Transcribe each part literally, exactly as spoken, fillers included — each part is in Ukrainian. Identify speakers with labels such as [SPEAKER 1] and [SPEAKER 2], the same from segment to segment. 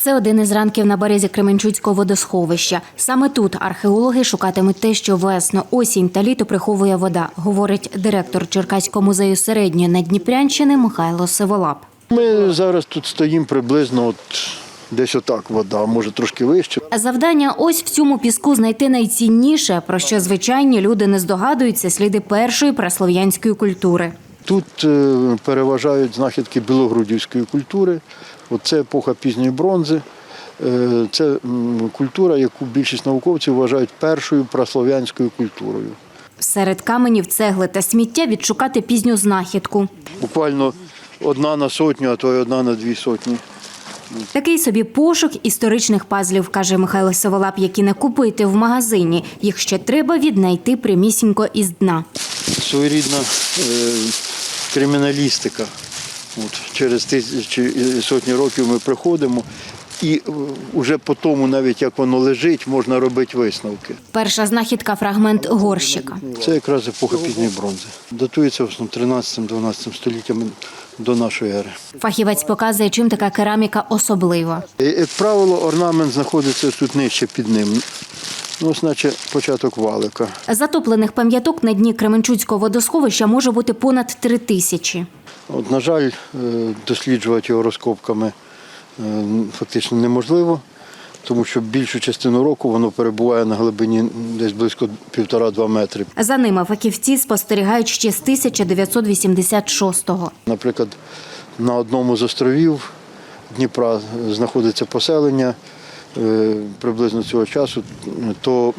[SPEAKER 1] Це один із ранків на березі Кременчуцького водосховища. Саме тут археологи шукатимуть те, що весну, осінь та літо приховує вода, говорить директор Черкаського музею середньої Наддніпрянщини Михайло Сиволап.
[SPEAKER 2] Ми зараз тут стоїмо приблизно от десь отак вода, може трошки вище.
[SPEAKER 1] Завдання ось в цьому піску знайти найцінніше, про що звичайні люди не здогадуються, сліди першої праслов'янської культури.
[SPEAKER 2] Тут е, переважають знахідки білогрудівської культури. Оце епоха пізньої бронзи. Е, Це м, культура, яку більшість науковців вважають першою праслов'янською культурою.
[SPEAKER 1] Серед каменів, цегли та сміття відшукати пізню знахідку.
[SPEAKER 2] Буквально одна на сотню, а то й одна на дві сотні.
[SPEAKER 1] Такий собі пошук історичних пазлів, каже Михайло Сиволап, які не купити в магазині. Їх ще треба віднайти прямісінько із дна.
[SPEAKER 2] Своєрідна е, криміналістика. От, через тисячі сотні років ми приходимо і вже по тому, навіть як воно лежить, можна робити висновки.
[SPEAKER 1] Перша знахідка – фрагмент горщика.
[SPEAKER 2] Це якраз епоха пізньої бронзи. Датується в основному тринадцятим-дванадцятим століттями до нашої ери.
[SPEAKER 1] Фахівець показує, чим така кераміка особлива.
[SPEAKER 2] Як правило, орнамент знаходиться тут нижче під ним. Ну, ось наче початок валика.
[SPEAKER 1] Затоплених пам'яток на дні Кременчуцького водосховища може бути понад три тисячі.
[SPEAKER 2] От, на жаль, досліджувати його розкопками фактично неможливо, тому що більшу частину року воно перебуває на глибині десь близько півтора-два метри.
[SPEAKER 1] За ними фахівці спостерігають ще з тисяча дев'ятсот вісімдесят шостого.
[SPEAKER 2] Наприклад, на одному з островів Дніпра знаходиться поселення приблизно цього часу, то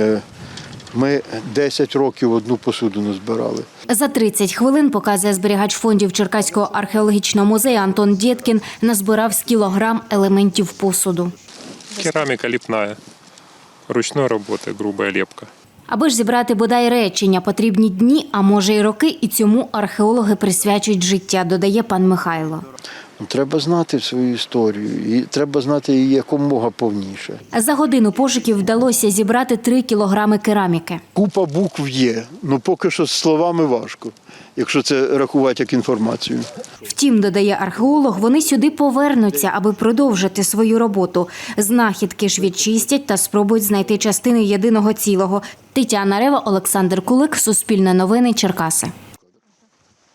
[SPEAKER 2] ми десять років одну посудину збирали.
[SPEAKER 1] За тридцять хвилин, показує зберігач фондів Черкаського археологічного музею Антон Дєткін, назбирав з кілограм елементів посуду.
[SPEAKER 3] Керамика ліпна, ручної роботи, груба лепка.
[SPEAKER 1] Аби ж зібрати бодай речення, потрібні дні, а може й роки, і цьому археологи присвячують життя, додає пан Михайло.
[SPEAKER 2] Треба знати свою історію, і треба знати її якомога повніше.
[SPEAKER 1] За годину пошуків вдалося зібрати три кілограми кераміки.
[SPEAKER 2] Купа букв є, ну поки що з словами важко, якщо це рахувати як інформацію.
[SPEAKER 1] Втім, додає археолог, вони сюди повернуться, аби продовжити свою роботу. Знахідки ж відчистять та спробують знайти частини єдиного цілого. Тетяна Рева, Олександр Кулик, Суспільне новини, Черкаси.